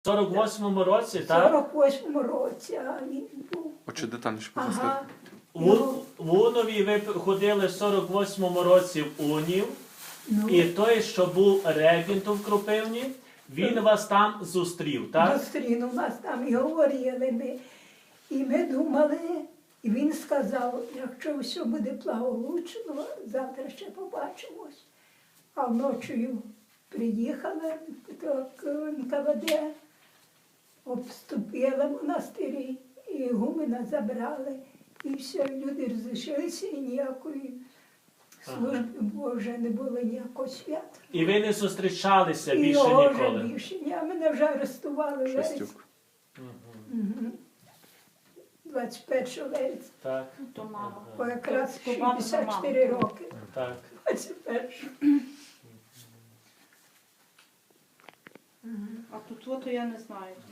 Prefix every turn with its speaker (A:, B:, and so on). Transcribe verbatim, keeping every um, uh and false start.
A: В сорок восьмому році,
B: В
A: так?
B: сорок восьмому році, а він був.
C: Очі детальніше
B: Ага.
C: пояснити.
A: В, в Унові ви ходили в сорок восьмому році в Унів,
B: Ну,
A: і той, що був регентом в Кропивні, він вас там зустрів, так?
B: зустрінув нас там і говорили ми. І ми думали, і він сказав, якщо все буде благополучно, завтра ще побачимось. А вночі приїхали до Н К В Д, обступили монастирі, і гумена забрали. І все, люди розійшлися, і ніякої служби Божої не було, ніякого свята.
A: І ви не зустрічалися
B: І
A: більше
B: його вже
A: ніколи.
B: більше. Ні, мене вже арестували в вересні.
C: Шестюк.
B: Мгм. двадцять першого вересня.
A: Так,
D: То мама.
B: Бо якраз
D: То бабу
B: шістдесят чотири
D: маму.
B: роки.
A: так.
B: двадцять першого.
D: А тут от я не знаю.